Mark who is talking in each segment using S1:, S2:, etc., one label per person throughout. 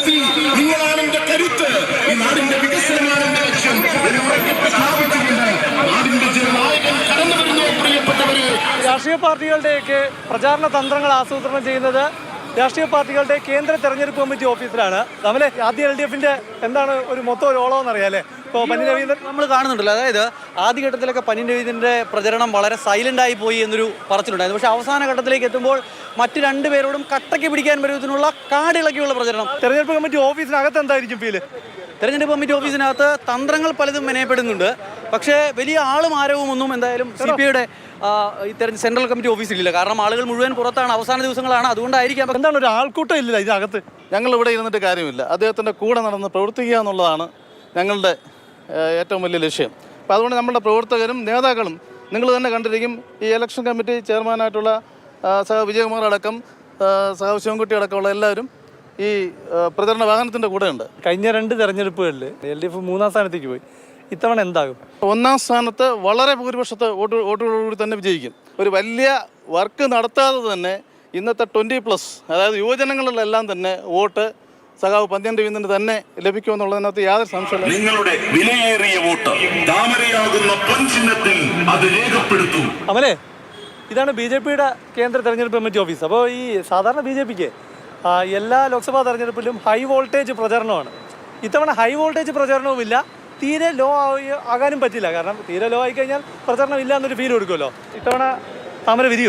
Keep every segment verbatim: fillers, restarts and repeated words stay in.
S1: ശക്തി, നിങ്ങളാണ് എന്റെ കരുത്ത്, ഈ നാടിന്റെ വികസനമാണ് എന്റെ ലക്ഷ്യം എന്ന് ഉറക്കെ പ്രഖ്യാപിച്ചുകൊണ്ട് നാടിന്റെ ജനനായകൻ കടന്നു വരുന്നു. പ്രിയപ്പെട്ടവരെ,
S2: രാഷ്ട്രീയ പാർട്ടികളുടെയൊക്കെ പ്രചാരണ തന്ത്രങ്ങൾ ആസൂത്രണം ചെയ്യുന്നത് രാഷ്ട്രീയ പാർട്ടികളുടെ കേന്ദ്ര തെരഞ്ഞെടുപ്പ് കമ്മിറ്റി ഓഫീസിലാണ്. നമ്മളെ ആദ്യ എൽ ഡി എഫിന്റെ എന്താണ് ഒരു മൊത്തം ഒരു ഓളം എന്നറിയാല്ലേ. ഇപ്പോൾ പന്നി രവീന്ദ്രൻ
S3: നമ്മൾ കാണുന്നുണ്ടല്ലോ, അതായത് ആദ്യഘട്ടത്തിലൊക്കെ പന്നി രവീന്ദ്രന്റെ പ്രചരണം വളരെ സൈലന്റ് ആയി പോയി എന്നൊരു പറച്ചിലുണ്ടായിരുന്നു. പക്ഷേ അവസാന ഘട്ടത്തിലേക്ക് എത്തുമ്പോൾ മറ്റു രണ്ടുപേരോടും കട്ടയ്ക്ക് പിടിക്കാൻ പറ്റുന്നതിനുള്ള കാടിളക്കിയുള്ള പ്രചരണം.
S2: തെരഞ്ഞെടുപ്പ് കമ്മിറ്റി ഓഫീസിനകത്ത് എന്തായിരിക്കും ഫീല്?
S3: തെരഞ്ഞെടുപ്പ് കമ്മിറ്റി ഓഫീസിനകത്ത് തന്ത്രങ്ങൾ പലതും മെനയപ്പെടുന്നുണ്ട്. പക്ഷേ വലിയ ആളും ആരവും ഒന്നും എന്തായാലും സി പി ഐയുടെ ഈ സെൻട്രൽ കമ്മിറ്റി ഓഫീസിലില്ല. കാരണം ആളുകൾ മുഴുവൻ പുറത്താണ്, അവസാന ദിവസങ്ങളാണ്. അതുകൊണ്ടായിരിക്കാം.
S2: എന്താണ് ഒരു ആൾക്കൂട്ടം ഇല്ല ഇതിനകത്ത്?
S4: ഞങ്ങൾ ഇവിടെ ഇരുന്നിട്ട് കാര്യമില്ല. അദ്ദേഹത്തിൻ്റെ കൂടെ നടന്ന് പ്രവർത്തിക്കുക എന്നുള്ളതാണ് ഞങ്ങളുടെ ഏറ്റവും വലിയ ലക്ഷ്യം. അപ്പോൾ അതുകൊണ്ട് നമ്മുടെ പ്രവർത്തകരും നേതാക്കളും നിങ്ങൾ തന്നെ കണ്ടിരിക്കും. ഈ ഇലക്ഷൻ കമ്മിറ്റി ചെയർമാനായിട്ടുള്ള സഹ വിജയകുമാർ അടക്കം സഹ ശിവൻകുട്ടി അടക്കമുള്ള എല്ലാവരും ഈ പ്രചരണ വാഹനത്തിൻ്റെ കൂടെയുണ്ട്.
S2: കഴിഞ്ഞ രണ്ട് തെരഞ്ഞെടുപ്പുകളിൽ എൽ ഡി എഫ് മൂന്നാം സ്ഥാനത്തേക്ക് പോയി. ഇത്തവണ എന്താകും?
S4: ഒന്നാം സ്ഥാനത്ത് വളരെ ഭൂരിപക്ഷത്തെ വോട്ട് വോട്ടുകളോടുകൂടി തന്നെ വിജയിക്കും. ഒരു വലിയ വർക്ക് നടത്താതെ തന്നെ ഇന്നത്തെ ട്വൻറ്റി പ്ലസ് അതായത് യുവജനങ്ങളിലെല്ലാം തന്നെ വോട്ട് സഖാവ് പന്ന്യൻ രവീന്ദ്രന് തന്നെ ലഭിക്കുമെന്നുള്ളതിനകത്ത് യാതൊരു സംശയമില്ല.
S1: നിങ്ങളുടെ വിലയേറിയ വോട്ട് താമരയാകുന്ന പൊൻചിഹ്നത്തിൽ അത് രേഖപ്പെടുത്തൂ.
S2: അമലേ, ഇതാണ് ബി ജെ പിയുടെ കേന്ദ്ര തെരഞ്ഞെടുപ്പ് കമ്മിറ്റി ഓഫീസ്. അപ്പോൾ ഈ സാധാരണ ബി ജെ പിക്ക് എല്ലാ ലോക്സഭാ തെരഞ്ഞെടുപ്പിലും ഹൈ വോൾട്ടേജ് പ്രചരണമാണ്. ഇത്തവണ ഹൈ വോൾട്ടേജ് പ്രചരണവുമില്ല, തീരെ ലോ ആകാനും പറ്റില്ല. കാരണം തീരെ ലോ ആയി കഴിഞ്ഞാൽ പ്രചരണം ഇല്ല എന്നൊരു ഫീൽ കൊടുക്കുമല്ലോ. ഇത്തവണ താമര വിരിയോ?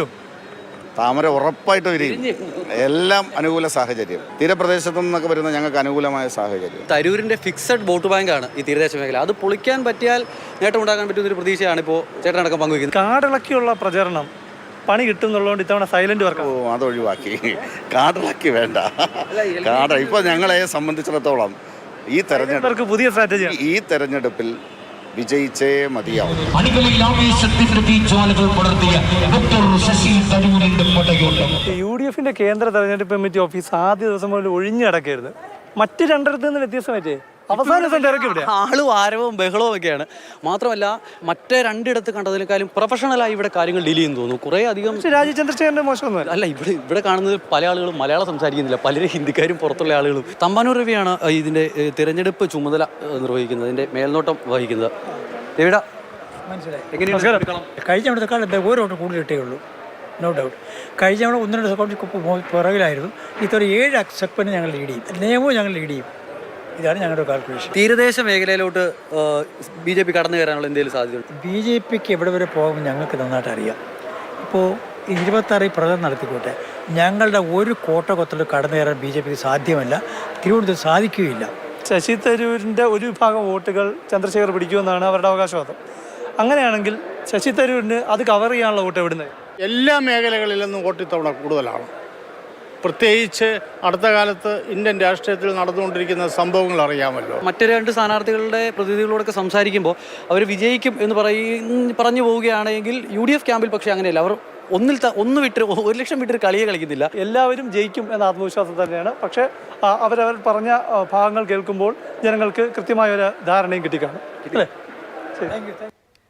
S5: താമര ഉറപ്പായിട്ട് വിരിയും. എല്ലാം അനുകൂല സാഹചര്യം. തീരപ്രദേശത്തു നിന്നൊക്കെ വരുന്ന ഞങ്ങൾക്ക് അനുകൂലമായ സാഹചര്യം.
S3: തരൂരിന്റെ ഫിക്സഡ് വോട്ട് ബാങ്കാണ് ഈ തീരദേശ മേഖല. അത് പൊളിക്കാൻ പറ്റിയാൽ നേട്ടം ഉണ്ടാക്കാൻ പറ്റുന്ന ഒരു പ്രതീക്ഷയാണ് ഇപ്പോൾ ചേട്ടനടക്കം പങ്കുവയ്ക്കുന്നത്.
S2: കാടിളക്കിയുള്ള പ്രചരണം പണി കിട്ടും എന്നുള്ളതുകൊണ്ട് ഇത്തവണ സൈലന്റ് വർക്ക്.
S5: ഓ, അതൊഴിവാക്കി. കാടിളക്കി വേണ്ട. കാട് ഇപ്പോൾ ഞങ്ങളെ സംബന്ധിച്ചിടത്തോളം ഈ തെരഞ്ഞെടുപ്പ്
S2: പുതിയ സ്ട്രാറ്റജി
S5: ഈ തെരഞ്ഞെടുപ്പിൽ വിജയിച്ചേ മതിയാവും.
S2: യു ഡി എഫിന്റെ കേന്ദ്ര തെരഞ്ഞെടുപ്പ് കമ്മിറ്റി ഓഫീസ് ആദ്യ ദിവസം മുതൽ ഒഴിഞ്ഞടക്കരുത്. മറ്റ് രണ്ടിടത്ത് നിന്ന് വ്യത്യസ്തമായിട്ടേ അവസാന ദിവസം തിരക്കി ഇവിടെ
S3: ആളും ആരവവും ബഹളവും ഒക്കെയാണ്. മാത്രമല്ല മറ്റേ രണ്ടിടത്ത് കണ്ടതിനേക്കാളും പ്രൊഫഷണലായി ഇവിടെ കാര്യങ്ങൾ ഡീൽ ചെയ്യുന്നു തോന്നുന്നു. കുറേ അധികം
S2: രാജീവ് ചന്ദ്രശേഖരന്റെ മോശമൊന്നും
S3: അല്ല. ഇവിടെ ഇവിടെ കാണുന്നത് പല ആളുകളും മലയാളം സംസാരിക്കുന്നില്ല, പലരും ഹിന്ദിക്കാരും പുറത്തുള്ള ആളുകളും. തമ്പാനൂർ രവിയാണ് ഇതിൻ്റെ തിരഞ്ഞെടുപ്പ് ചുമതല നിർവഹിക്കുന്നത്, ഇതിൻ്റെ മേൽനോട്ടം വഹിക്കുന്നത്. രവിയുടെ
S6: മനസ്സിലായി. കഴിഞ്ഞ അവിടുത്തെ ഓരോ വോട്ട് കൂടുതൽ കിട്ടേ ഉള്ളൂ, നോ ഡൗട്ട്. കഴിഞ്ഞ അവിടെ ഒന്ന് രണ്ട് സെക്കൻഡ് പുറകിലായിരുന്നു. ഇത്തവണ ഏഴ് സെക്കൻഡ് ഞങ്ങൾ ലീഡ് ചെയ്യും, നിയമവും ഞങ്ങൾ ലീഡ് ചെയ്യും. ഇതാണ് ഞങ്ങളുടെ കാൽക്കുലേഷൻ.
S3: തീരദേശ മേഖലയിലോട്ട് ബി ജെ പി കടന്നു കയറാനുള്ള എന്തെങ്കിലും സാധ്യതയുണ്ട്?
S6: ബി ജെ പിക്ക് എവിടെ വരെ പോകുമ്പോൾ ഞങ്ങൾക്ക് നന്നായിട്ട് അറിയാം. ഇപ്പോൾ ഇരുപത്താറിൽ പ്രകടനം നടത്തിക്കോട്ടെ, ഞങ്ങളുടെ ഒരു കോട്ട കൊത്തൽ കടന്നു കയറാൻ ബി ജെ പിക്ക് സാധ്യമല്ല, തിരുവനന്തപുരത്ത് സാധിക്കുകയില്ല.
S2: ശശി തരൂരിൻ്റെ ഒരു വിഭാഗം വോട്ടുകൾ ചന്ദ്രശേഖർ പിടിക്കുമെന്നാണ് അവരുടെ അവകാശവാദം. അങ്ങനെയാണെങ്കിൽ ശശി തരൂരിന് അത് കവർ ചെയ്യാനുള്ള വോട്ട് എവിടുന്ന്?
S4: എല്ലാ മേഖലകളിൽ നിന്നും വോട്ട് ഇത്തവണ കൂടുതലാണ്. പ്രത്യേകിച്ച് അടുത്ത കാലത്ത് ഇന്ത്യൻ രാഷ്ട്രീയത്തിൽ നടന്നുകൊണ്ടിരിക്കുന്ന സംഭവങ്ങൾ അറിയാമല്ലോ.
S3: മറ്റു രണ്ട് സ്ഥാനാർത്ഥികളുടെ പ്രതിനിധികളോടൊക്കെ സംസാരിക്കുമ്പോൾ അവർ വിജയിക്കും എന്ന് പറയും പറഞ്ഞു പോവുകയാണെങ്കിൽ യു ഡി എഫ് ക്യാമ്പിൽ പക്ഷേ അങ്ങനെയല്ല. അവർ ഒന്നിൽ ഒന്ന് വിട്ട് ഒരു ലക്ഷം വിട്ടൊരു കളിയെ കളിക്കുന്നില്ല.
S2: എല്ലാവരും ജയിക്കും എന്ന ആത്മവിശ്വാസം തന്നെയാണ്. പക്ഷേ അവരവർ പറഞ്ഞ ഭാഗങ്ങൾ കേൾക്കുമ്പോൾ ജനങ്ങൾക്ക് കൃത്യമായ ഒരു ധാരണയും കിട്ടിക്കാണും. അല്ലേ? ശരി.